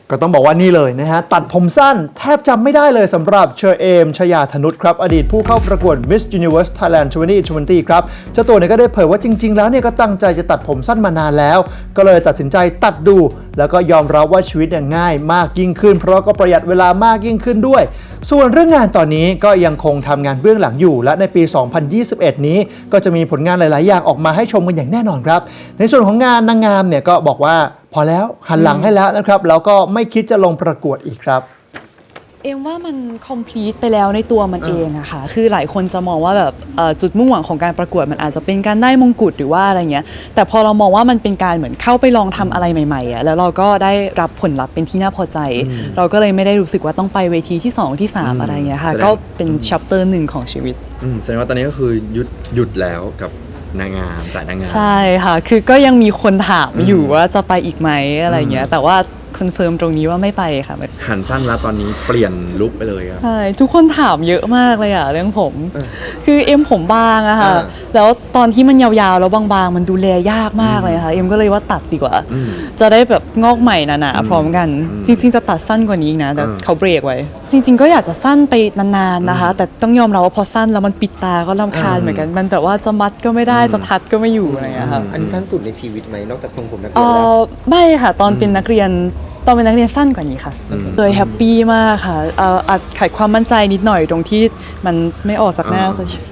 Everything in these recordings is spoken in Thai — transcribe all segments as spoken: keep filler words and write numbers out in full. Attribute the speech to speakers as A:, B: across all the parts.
A: ก็ต้องบอกว่านี่เลยนะฮะตัดผมสั้นแทบจำไม่ได้เลยสำหรับเชอเอมชยาธนุชครับอดีตผู้เข้าประกวด Miss Universe Thailand สองพันยี่สิบครับเจ้าตัวเนี่ยก็ได้เผยว่าจริงๆแล้วเนี่ยก็ตั้งใจจะตัดผมสั้นมานานแล้วก็เลยตัดสินใจตัดดูแล้วก็ยอมรับว่าชีวิตเนี่ยง่ายมากยิ่งขึ้นเพราะก็ประหยัดเวลามากยิ่งขึ้นด้วยส่วนเรื่องงานตอนนี้ก็ยังคงทำงานเบื้องหลังอยู่และในปี สองพันยี่สิบเอ็ด นี้ก็จะมีผลงานหลายๆอย่างออกมาให้ชมกันอย่างแน่นอนครับในส่วนของงานนางงามเนี่ยก็บอกว่าพอแล้วหันหลังให้แล้วนะครับแล้วก็ไม่คิดจะลงประกวดอีกครับ
B: เอ็มว่ามัน complete ไปแล้วในตัวมันเองอะค่ะคือหลายคนจะมองว่าแบบจุดมุ่งหวังของการประกวดมันอาจจะเป็นการได้มงกุฎหรือว่าอะไรเงี้ยแต่พอเรามองว่ามันเป็นการเหมือนเข้าไปลองทำอะไรใหม่ๆอะแล้วเราก็ได้รับผลลัพธ์เป็นที่น่าพอใจเราก็เลยไม่ได้รู้สึกว่าต้องไปเวทีที่สองที่สามอะไรเงี้ยค่ะก็เป็น chapter หนึ่งของชีวิต
C: แสดงว่าตอนนี้ก็คือหยุดหยุดแล้วกับนางงามสายนางงาม
B: ใช่ค่ะคือก็ยังมีคนถามอยู่ว่าจะไปอีกไหมอะไรเงี้ยแต่ว่าคอนเฟิร์มตรงนี้ว่าไม่ไปค่ะ
C: หันสั้นแล้วตอนนี้เปลี่ยนลุคไปเลยครับ
B: ใช่ทุกคนถามเยอะมากเลยอะเรื่องผมคือเอ็มผมบางอะค่ะแล้วตอนที่มันยาวๆแล้วบางๆมันดูแลยากมากเลยค่ะเอ็มก็เลยว่าตัดดีกว่าจะได้แบบงอกใหม่หนาๆพร้อมกันจริงๆจะตัดสั้นกว่านี้นะแต่เขาเบรกไว้จริงๆก็อยากจะสั้นไปนานๆนะคะแต่ต้องยอมรับว่าพอสั้นแล้วมันปิดตาก็รำคาญเหมือนกันมันแต่ว่าจะมัดก็ไม่ได้จะทัดก็ไม่อยู่อะไรอย่างเงี้ยค่ะ
D: อันนี้สั้นสุดในชีวิตไหมนอกจากทรงผมนักเรียน
B: แล้
D: ว
B: ไม่ค่ะตอนเป็นนักเรียนตอนเป็นนักเรียนสั้นกว่านี้ค่ะเลยแฮปปี้มากค่ะเอ่ออาจขาดความมั่นใจนิดหน่อยตรงที่มันไม่ออกจากหน้าสักที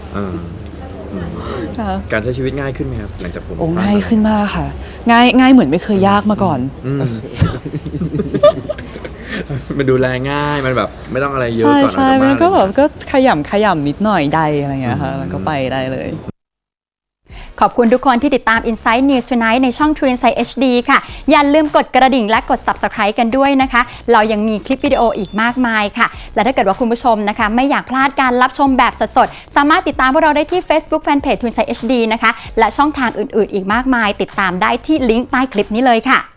C: การใช้ชีวิตง่ายขึ้นไหมครับหลังจากผม
B: โอ้ง่ายขึ้นมากค่ะง่ายง่ายเหมือนไม่เคยยากมาก่อน
C: มันดูแลง่ายมันแบบไม่ต้องอะไรเยอะ
B: ก่
C: อน
B: ใช่ใช่มันก็แบบก็ขยำขยำนิดหน่อยใดอะไรเงี้ยค่ะแล้วก็ไปได้เลย
E: ขอบคุณทุกคนที่ติดตาม Insight News Tonight ในช่อง True Insight เอช ดี ค่ะอย่าลืมกดกระดิ่งและกด Subscribe กันด้วยนะคะเรายังมีคลิปวิดีโออีกมากมายค่ะและถ้าเกิดว่าคุณผู้ชมนะคะไม่อยากพลาดการรับชมแบบสดๆสามารถติดตามพวกเราได้ที่ Facebook Fanpage True Insight เอช ดี นะคะและช่องทางอื่นๆอีกมากมายติดตามได้ที่ลิงก์ใต้คลิปนี้เลยค่ะ